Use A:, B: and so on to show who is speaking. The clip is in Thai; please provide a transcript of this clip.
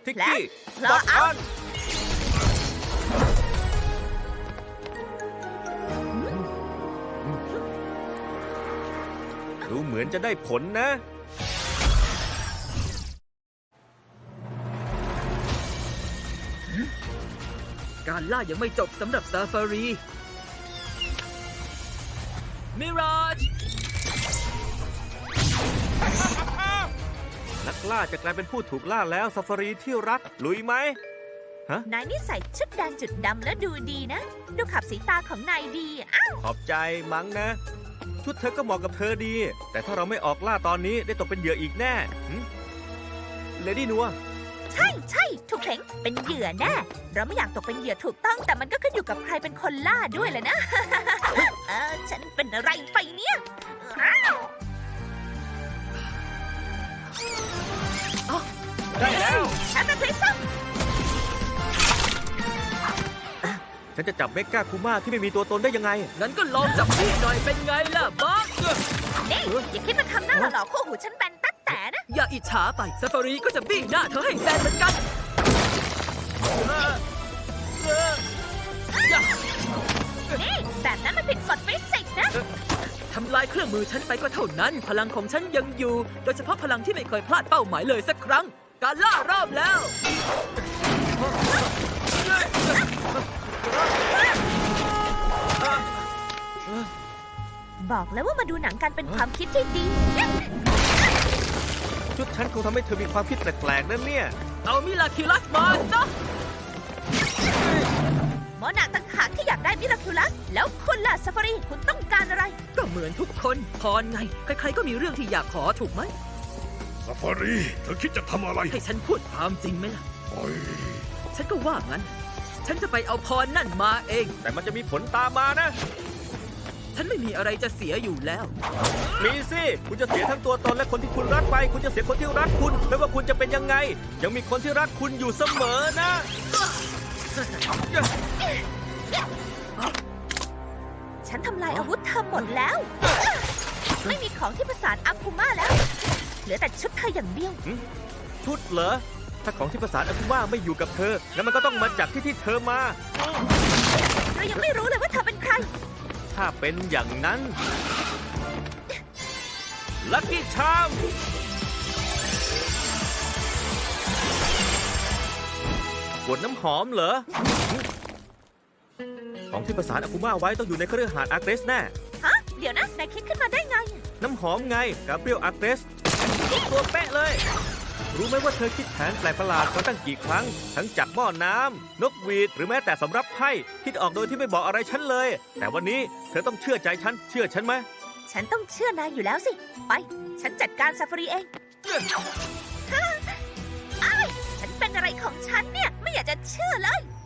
A: ทิกกี้
B: และ
A: ล็อกออนดูเหมือนจะได้ผลนะ
C: การล่ายังไม่จบสำหรับซาฟารีมิราจ
A: นักล่าจะกลายเป็นผู้ถูกล่าแล้วซาฟารีที่รักลุยไหม
B: นายนี่ใส่ชุดแดงจุดดำแล้วดูดีนะ ดูขับสีตาของนายดีอ้าว
A: ขอบใจมั้งนะ ชุดเธอก็เหมาะกับเธอดี แต่ถ้าเราไม่ออกล่าตอนนี้ได้ตกเป็นเหยื่ออีกแน่เลดี้นัว
B: ใช่ใช่ถูกเพ่งเป็นเหยื่อแน่ เราไม่อยากตกเป็นเหยื่อถูกต้อง แต่มันก็ขึ้นอยู่กับใครเป็นคนล่าด้วยแหละนะ ฉันเป็นอะไรไปเนี่ยอ้าว
A: ได้แล้ว
B: ฉันเป็นคริสตัล
A: ฉันจะจับเมกาคูมาที่ไม่มีตัวตนได้ยังไง
C: งั้นก็ลองจับพี่หน่อยเป็นไงล่ะบ๊อบ
B: นี่อย่าคิดมาทำหน้าหล่อๆคู่หูฉันแบนตั๊ดแต่นะ
C: อย่าอิจฉาไปซาฟารีก็จะบี้หน้าเธอให้แบนเหมือนกัน
B: นี่แบบนั้นมันผิดกฎฟิสิกส์นะ
C: ทำลายเครื่องมือฉันไปก็เท่านั้น พลังของฉันยังอยู่ โดยเฉพาะพลังที่ไม่เคยพลาดเป้าหมายเลยสักครั้ง การล่ารอบแล้ว
B: บอกแล้วว่ามาดูหนังกันเป็นความคิดที่ดี
A: ชุดฉันคงทำให้เธอมีความคิดแปลกๆนั่นเนี่ย
C: เอามิลาคิลัสมาซะ
B: หมอนาต่างหากที่อยากได้มิราคิลัส แล้วคุณล่ะซาฟารีคุณต้องการอะไร
C: ก็เหมือนทุกคน พรไง ใครๆก็มีเรื่องที่อยากขอถูกไหม
D: ซาฟารีเธอคิดจะทำอะไร
C: ให้ฉันพูดความจริงไหมล่ะ
D: โอ้ย
C: ฉันก็ว่างั้น ฉันจะไปเอาพรนั่นมาเอง
A: แต่มันจะมีผลตามมานะ
C: ฉันไม่มีอะไรจะเสียอยู่แล้ว
A: มีสิ คุณจะเสียทั้งตัวตนและคนที่คุณรักไป คุณจะเสียคนที่รักคุณ ไม่ว่าคุณจะเป็นยังไง ยังมีคนที่รักคุณอยู่เสมอนะ
B: ฉันทำลายอาวุธเธอหมดแล้ว ไม่มีของที่ประสานอาคุมาแล้ว เหลือแต่ชุดเธออย่างเดียว
A: ชุดเหรอ ถ้าของที่ประสานอาคุมาไม่อยู่กับเธอ แล้วมันก็ต้องมาจากที่เธอมา
B: เรายังไม่รู้เลยว่าเธอเป็นใคร
A: ถ้าเป็นอย่างนั้น ลัคกี้ชามขวดน้ำหอมเหรอ ของที่ประสานอาคุมาไว้ต้องอยู่ในเครือหาดอาร์เกรสแน่
B: ฮะ เดี๋ยวนะ นายคิดขึ้นมาได้ไง
A: น้ำหอมไงกาเบรียลอาร์เกรสตัวเป๊ะเลย รู้ไหมว่าเธอคิดแผนแปลกประหลาดมาตั้งกี่ครั้ง ทั้งจับหม้อน้ำนกหวีดหรือแม้แต่สำรับไพ่คิดออกโดยที่ไม่บอกอะไรฉันเลย แต่วันนี้เธอต้องเชื่อใจฉัน เชื่อฉันไหม
B: ฉันต้องเชื่อนายอยู่แล้วสิ ไป ฉันจัดการซาฟารีเองอ้ายฉันเป็นอะไรของฉันเนี่ย ไม่อยากจะเชื่อเลย